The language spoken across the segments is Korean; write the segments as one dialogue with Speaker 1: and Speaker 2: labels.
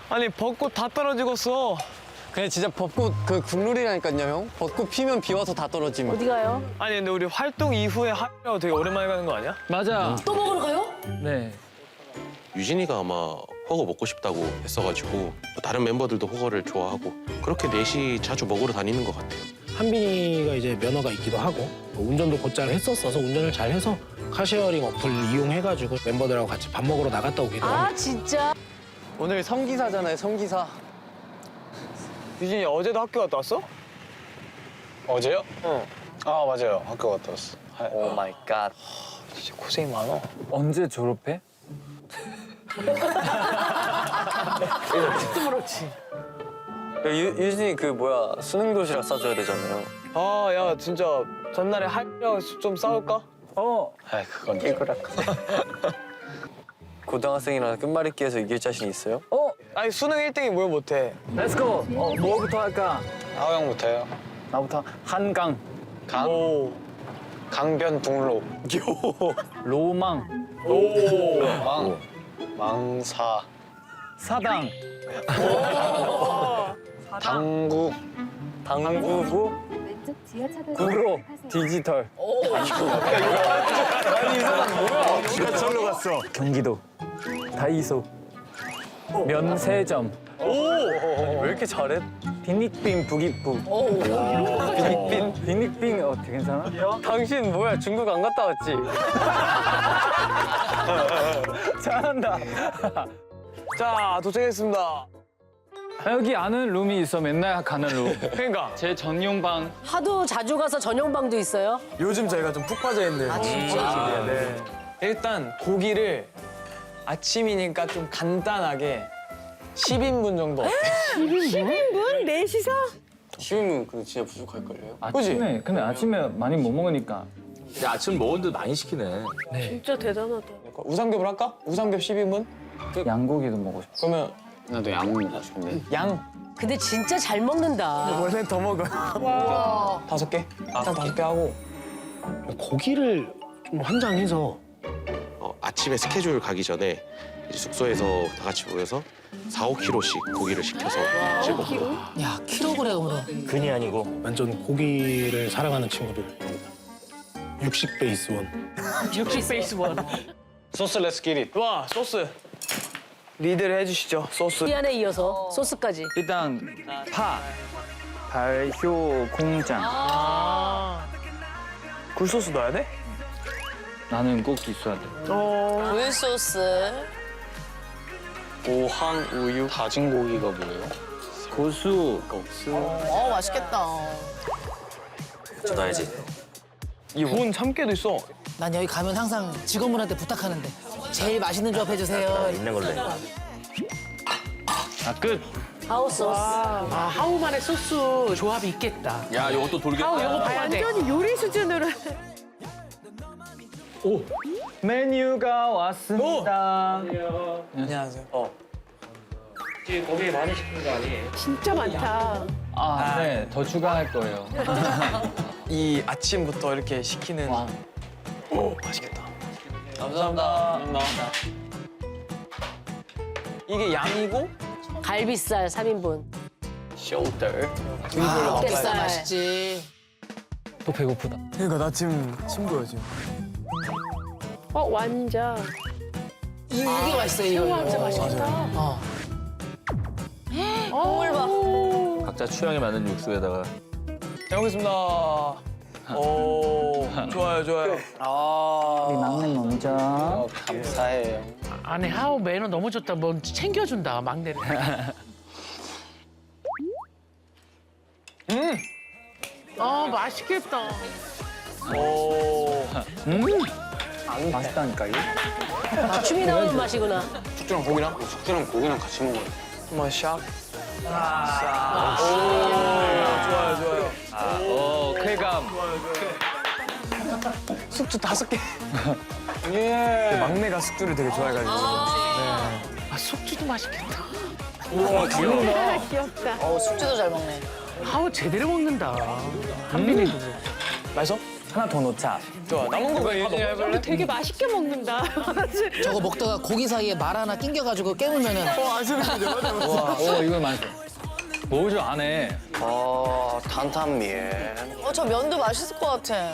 Speaker 1: 아니 벚꽃 다 떨어지겠어.
Speaker 2: 그냥 진짜 벚꽃 그 국룰이라니까요, 형. 벚꽃 피면 비 와서 다 떨어지면.
Speaker 3: 어디 가요?
Speaker 1: 아니 근데 우리 활동 이후에 하이라고 되게 오랜만에 가는 거 아니야?
Speaker 4: 맞아.
Speaker 3: 또 먹으러 가요?
Speaker 4: 네.
Speaker 5: 유진이가 아마 허거 먹고 싶다고 했어가지고 또 다른 멤버들도 허거를 좋아하고 그렇게 넷이 자주 먹으러 다니는 것 같아요.
Speaker 6: 한빈이가 이제 면허가 있기도 하고 운전도 곧잘 했었어서 운전을 잘 해서 카쉐어링 어플 이용해가지고 멤버들하고 같이 밥 먹으러 나갔다 오기도
Speaker 3: 아
Speaker 6: 하고.
Speaker 3: 진짜?
Speaker 2: 오늘 성기사잖아요, 성기사.
Speaker 1: 유진이 어제도 학교 갔다 왔어?
Speaker 7: 어제요? 응. 아 맞아요. 학교 갔다 왔어.
Speaker 2: 오 마이 갓.
Speaker 1: 진짜 고생이 많아.
Speaker 4: 언제 졸업해?
Speaker 3: 그렇지.
Speaker 2: 유진이 그 뭐야 수능 도시락 싸줘야 되잖아요.
Speaker 1: 아 야 진짜 전날에 하이라고 좀 싸울까?
Speaker 7: 아 그건 좀.
Speaker 2: 고등학생이랑 끝말잇기에서 이길 자신 있어요?
Speaker 1: 아니 수능 1등이 뭘 못해.
Speaker 4: 렛츠고. 뭐부터 할까?
Speaker 7: 하우 형부터요.
Speaker 4: 나부터 한강.
Speaker 1: 오.
Speaker 7: 강변북로.
Speaker 4: 로망.
Speaker 7: 망사.
Speaker 4: 사당.
Speaker 7: 당구.
Speaker 2: 당구부
Speaker 8: 왼쪽 지하차도
Speaker 4: 구로. 디지털.
Speaker 2: 지하철로 갔어.
Speaker 4: 경기도. 다이소. 면세점.
Speaker 2: 왜 이렇게 잘해?
Speaker 4: 빈익빈 부기부. 빈익빈 어떻게 괜찮아?
Speaker 2: 당신 뭐야 중국 안 갔다 왔지?
Speaker 4: 잘한다.
Speaker 1: 자 도착했습니다.
Speaker 4: 여기 아는 룸이 있어. 맨날 가는 룸.
Speaker 1: 그러니까
Speaker 4: 제 전용방.
Speaker 3: 하도 자주 가서 전용방도 있어요?
Speaker 1: 요즘 저희가 좀 푹 빠져 있는.
Speaker 3: 아 진짜?
Speaker 1: 네. 일단 고기를 아침이니까 좀 간단하게 10인분 정도 어때?
Speaker 3: 10인분? 넷이서?
Speaker 2: 쉬우면 근데 진짜 부족할걸요?
Speaker 4: 아침에. 근데 아침에 많이 못 먹으니까.
Speaker 9: 아침 먹었는데 많이 시키네.
Speaker 3: 진짜 대단하다.
Speaker 1: 우삼겹을 할까? 우삼겹 10인분?
Speaker 4: 양고기도 먹고 싶어.
Speaker 1: 그러면
Speaker 7: 나도 양 먹고 싶은데.
Speaker 1: 양
Speaker 3: 근데 진짜 잘 먹는다.
Speaker 1: 원래 더 먹어.
Speaker 3: 와.
Speaker 1: 5개? 딱 5개 하고.
Speaker 6: 고기를 좀 환장해서
Speaker 5: 아침에 스케줄 가기 전에 이제 숙소에서 다 같이 모여서 4-5kg씩 고기를 시켜서 이제 먹고
Speaker 3: 야 킬로그램으로.
Speaker 6: 근이 아니고 완전 고기를 사랑하는 친구들. 육식 베이스원.
Speaker 3: 육식 베이스 원.
Speaker 7: 소스 렛츠 기릿.
Speaker 1: 와 소스. 리드를 해주시죠 소스.
Speaker 3: 미안에 이어서 소스까지.
Speaker 4: 일단 파. 발효 공장.
Speaker 1: 굴소스 넣어야 돼?
Speaker 4: 나는 꼭 있어야 돼.
Speaker 3: 굴 소스.
Speaker 2: 오항 우유
Speaker 7: 다진 고기가 뭐예요?
Speaker 4: 고수.
Speaker 10: 맛있겠다.
Speaker 5: 전화해야지.
Speaker 1: 이건 참깨도 있어.
Speaker 10: 난 여기 가면 항상 직원분한테 부탁하는데 제일 맛있는 조합 해주세요.
Speaker 5: 있는 걸로 해.
Speaker 4: 끝.
Speaker 3: 하우 소스.
Speaker 10: 아, 하우만의 소스 조합이 있겠다.
Speaker 9: 야, 이것도 돌겠다.
Speaker 10: 요거 봐야 돼.
Speaker 3: 요리 수준으로.
Speaker 4: 메뉴가 왔습니다.
Speaker 1: 안녕하세요.
Speaker 3: 진짜 많다.
Speaker 4: 아, 네. 더 추가할 거예요.
Speaker 1: 이 아침부터 이렇게 시키는.
Speaker 4: 와.
Speaker 1: 오 맛있겠다.
Speaker 2: 감사합니다.
Speaker 1: 이게 양이고
Speaker 3: 갈비살 3인분.
Speaker 2: 숄더.
Speaker 3: 뱃살.
Speaker 10: 맛있지.
Speaker 4: 또 배고프다.
Speaker 1: 그러니까 나 지금 침 보여 지금.
Speaker 3: 완자.
Speaker 10: 이게 맛있어요. 이거.
Speaker 3: 완자 맛있겠다.
Speaker 10: 물 봐.
Speaker 9: 각자 취향에 맞는 육수에다가.
Speaker 1: 잘 먹겠습니다. 오 좋아요 좋아요.
Speaker 4: 우리 막내 먼저.
Speaker 2: 감사해요.
Speaker 10: 아니 하우 매너 너무 좋다. 뭐 챙겨준다 막내를. 맛있겠다.
Speaker 1: 오.
Speaker 4: 맛있다니까요.
Speaker 3: 아, 춤이 나오는 맛이구나.
Speaker 7: 숙주랑 고기랑? 숙주랑 고기랑 같이 먹어요.
Speaker 1: 한번 샥. 오 좋아요 좋아요.
Speaker 4: 쾌감.
Speaker 1: 숙주 5개. 예. 막내가 숙주를 되게 좋아해가지고.
Speaker 10: 아 숙주도 맛있겠다.
Speaker 1: 우와
Speaker 10: 숙주도 잘 먹네. 하우 제대로 먹는다. 한빈이도.
Speaker 1: 맛있어? 하나 더 넣자.
Speaker 4: 좋아. 남은 거 왜 해볼래?
Speaker 3: 되게 맛있게 먹는다.
Speaker 10: 저거 먹다가 고기 사이에 말 하나 낑겨가지고 깨물면은
Speaker 4: 이거 맛있어. 뭐죠 안에?
Speaker 2: 탄탄면.
Speaker 8: 저 면도 맛있을 것 같아.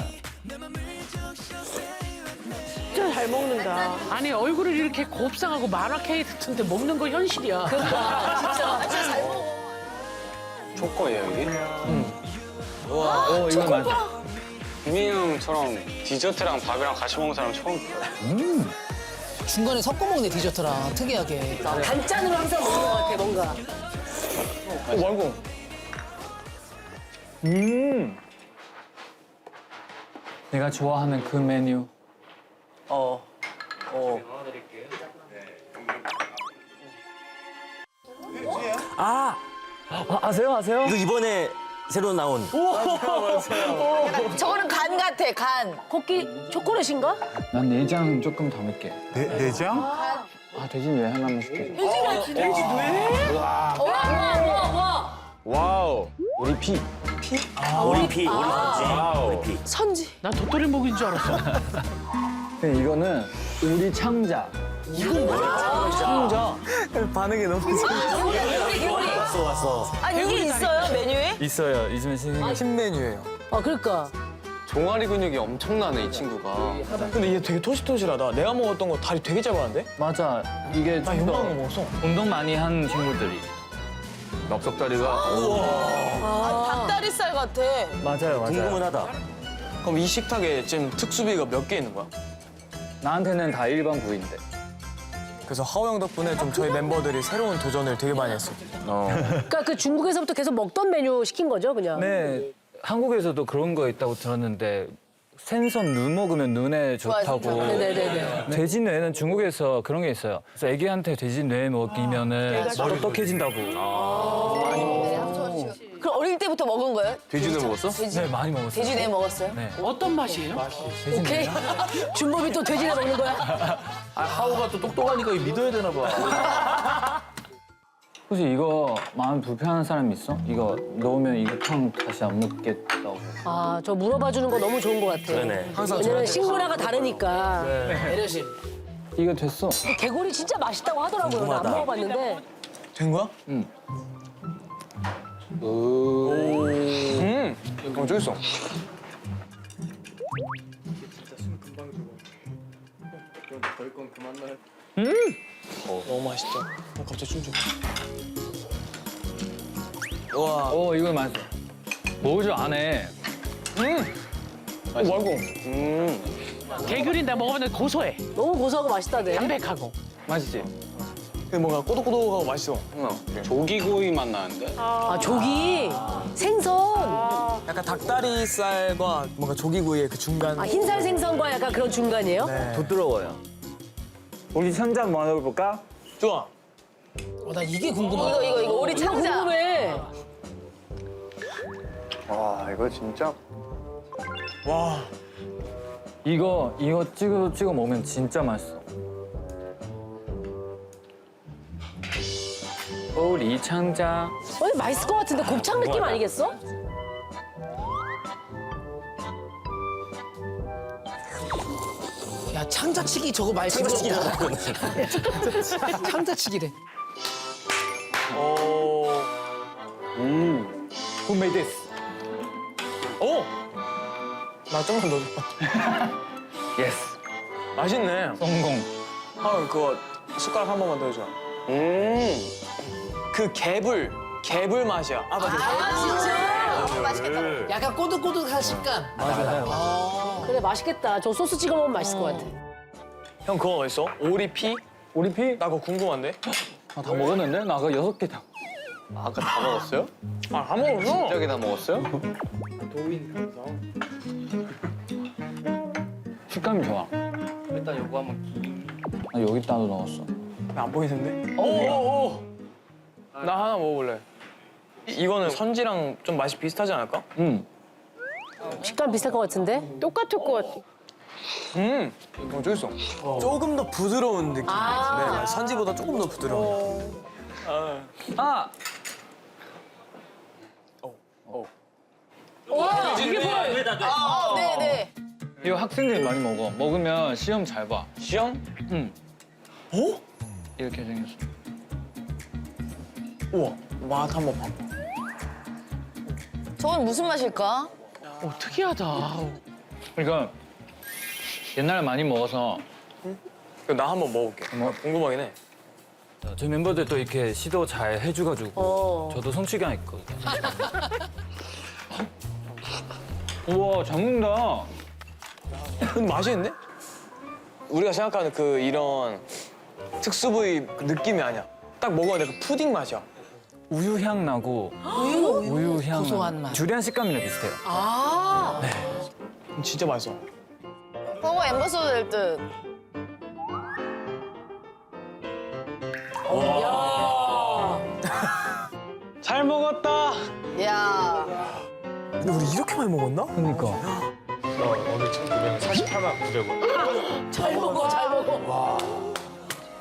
Speaker 3: 진짜 잘 먹는다.
Speaker 11: 아니 얼굴을 이렇게 곱상하고 만화 캐릭터인데 먹는 거 현실이야.
Speaker 7: 초코예요 이게?
Speaker 4: 이거 맛있어.
Speaker 7: 유민이 형처럼 디저트랑 밥이랑 같이 먹는 사람 처음 봐요.
Speaker 10: 중간에 섞어 먹네 디저트랑 특이하게.
Speaker 3: 단짠으로 항상 먹는 것 같아 뭔가.
Speaker 1: 말고.
Speaker 4: 내가 좋아하는 그 메뉴.
Speaker 1: 아세요?
Speaker 9: 이거 이번에 새로 나온.
Speaker 8: 저거는 간 같아, 간.
Speaker 3: 코끼 초콜릿인가?
Speaker 4: 난 내장 조금 더 넣게.
Speaker 1: 내장?
Speaker 4: 아 돼지 왜 하나만 시켜줘.
Speaker 9: 와우.
Speaker 1: 우리 피.
Speaker 9: 오리피, 오리피.
Speaker 8: 선지.
Speaker 11: 난 도토리 목인 줄 알았어.
Speaker 4: 근데 이거는 우리 창자.
Speaker 1: 반응이 너무
Speaker 9: 왔어.
Speaker 8: 아, 이게 있어요, 메뉴에?
Speaker 1: 있어요. 요즘에 신메뉴예요.
Speaker 3: 아 그러니까.
Speaker 2: 종아리 근육이 엄청나네 이 친구가.
Speaker 1: 근데 얘 되게 토실토실하다. 내가 먹었던 거 다리 되게 짧았는데?
Speaker 4: 맞아. 이게
Speaker 1: 나
Speaker 4: 좀 더
Speaker 1: 요만한 거 먹었어.
Speaker 4: 운동 많이 한 친구들이.
Speaker 9: 넉석다리가
Speaker 8: 닭다리살 같아.
Speaker 1: 맞아요.
Speaker 9: 궁금하다.
Speaker 1: 그럼 이 식탁에 지금 특수비가 몇 개 있는 거야?
Speaker 4: 나한테는 다 일반 부위인데.
Speaker 1: 그래서 하호 형 덕분에 좀 저희 멤버들이 새로운 도전을 되게 많이 했어요.
Speaker 3: 그러니까 그 중국에서부터 계속 먹던 메뉴 시킨 거죠 그냥.
Speaker 4: 네. 한국에서도 그런 거 있다고 들었는데 생선 눈 먹으면 눈에 좋다고.
Speaker 3: 네네네.
Speaker 4: 돼지 뇌는 중국에서 그런 게 있어요. 그래서 애기한테 돼지 뇌 먹이면은 똑똑해진다고.
Speaker 8: 그럼 어릴 때부터 먹은 거예요?
Speaker 9: 돼지는 먹었어?
Speaker 4: 네, 많이 먹었어요.
Speaker 8: 돼지 내 먹었어요?
Speaker 4: 네.
Speaker 11: 어떤 맛이에요?
Speaker 3: 오케이. 준범이 또 돼지나 먹는 거야?
Speaker 9: 아, 하우가 또 똑똑하니까 믿어야 되나 봐.
Speaker 4: 혹시 이거 마음 불편한 사람 있어? 이거 넣으면 이거 탕 다시 안 먹겠다고.
Speaker 3: 아 저 물어봐 주는 거 너무 좋은 것 같아.
Speaker 9: 그러네.
Speaker 1: 항상
Speaker 3: 왜냐면
Speaker 1: 저한테
Speaker 3: 식문화가 다르니까.
Speaker 10: 배려심.
Speaker 4: 이거 됐어.
Speaker 3: 개구리 진짜 맛있다고 하더라고요. 나 안 먹어봤는데.
Speaker 1: 된 거야?
Speaker 4: 응.
Speaker 1: 어쩌겠어 너무 맛있죠? 갑자기 춤 좀. 와.
Speaker 4: 이거 맛있어. 뭐죠 안에?
Speaker 1: 말고.
Speaker 11: 개귤이 나 먹어봤는데 고소해.
Speaker 3: 너무 고소하고 맛있다네.
Speaker 11: 담백하고.
Speaker 4: 맛있지?
Speaker 1: 근데 뭔가 꼬독꼬독하고 맛있어.
Speaker 7: 조기구이 맛 나는데?
Speaker 3: 아 조기 생선.
Speaker 1: 약간 닭다리살과 뭔가 조기구이의 그 중간.
Speaker 3: 아 흰살 생선과 약간 그런 중간이에요?
Speaker 4: 부드러워요. 우리 천장 뭐 먹어볼까?
Speaker 1: 좋아.
Speaker 10: 나 이게 궁금하다.
Speaker 8: 이거 우리 창자.
Speaker 3: 궁금해.
Speaker 1: 와.
Speaker 4: 이거 찍어 먹으면 진짜 맛있어. 우리 창자.
Speaker 3: 근데 맛있을 것 같은데 곱창 느낌 아니겠어?
Speaker 10: 야 창자치기 저거 말 창자치기다. 창자치기래.
Speaker 4: Who made this?
Speaker 1: 오. 나 좀만 더 줘.
Speaker 4: Yes.
Speaker 1: 맛있네.
Speaker 4: 성공.
Speaker 1: 형 그거 숟가락 한 번만 더 해줘. 그 개불 맛이야. 아 맞아.
Speaker 8: 맛있겠다.
Speaker 10: 약간 꼬득꼬득한 식감.
Speaker 3: 그래 맛있겠다. 저 소스 찍어 먹으면 맛있을 것 같아.
Speaker 1: 형 그거 어딨어? 오리피?
Speaker 4: 오리피?
Speaker 1: 나 그거 궁금한데.
Speaker 4: 다 먹었는데? 나 아까 6개 다.
Speaker 2: 아까 다 먹었어요?
Speaker 1: 안 먹었어?
Speaker 2: 저기 다 먹었어요?
Speaker 4: 식감이 좋아. 일단 요거 한번. 나 여기다도 넣었어.
Speaker 1: 안 보이는데? 오. 나 하나 먹어볼래. 이거는 선지랑 좀 맛이 비슷하지 않을까?
Speaker 4: 응.
Speaker 3: 식감 비슷할 것 같은데? 똑같을 것 같아.
Speaker 1: 어쩌겠어. 조금 더 부드러운 느낌.
Speaker 3: 아.
Speaker 1: 네, 선지보다 조금 더 부드러운.
Speaker 4: 아!
Speaker 8: 네네.
Speaker 4: 이거 학생들이 많이 먹어. 먹으면 시험 잘 봐.
Speaker 1: 시험?
Speaker 4: 응.
Speaker 1: 어?
Speaker 4: 이렇게 생겼어.
Speaker 1: 우와 맛 한번 봐봐.
Speaker 8: 저건 무슨 맛일까?
Speaker 11: 특이하다.
Speaker 4: 그러니까 옛날에 많이 먹어서
Speaker 1: 나 한번 먹어볼게. 궁금하긴 해.
Speaker 4: 저희 멤버들도 이렇게 시도 잘 해줘가지고 저도 성취감 있거든요. 우와 잘 먹는다.
Speaker 1: 근데 맛있는데? 우리가 생각하는 그 이런 특수 부위 그 느낌이 아니야. 딱 먹었는데 그 푸딩 맛이야.
Speaker 4: 우유 향 나고 우유 향
Speaker 10: 고소한 맛.
Speaker 4: 주리안 식감이랑 비슷해요.
Speaker 8: 아.
Speaker 1: 진짜 맛있어.
Speaker 8: 버거 엠버서더 될 듯.
Speaker 1: 잘 먹었다.
Speaker 8: 야.
Speaker 1: 근데 우리 이렇게 많이 먹었나?
Speaker 4: 그러니까.
Speaker 7: 오늘 1,948만 900원.
Speaker 3: 잘 먹어, 잘 먹어.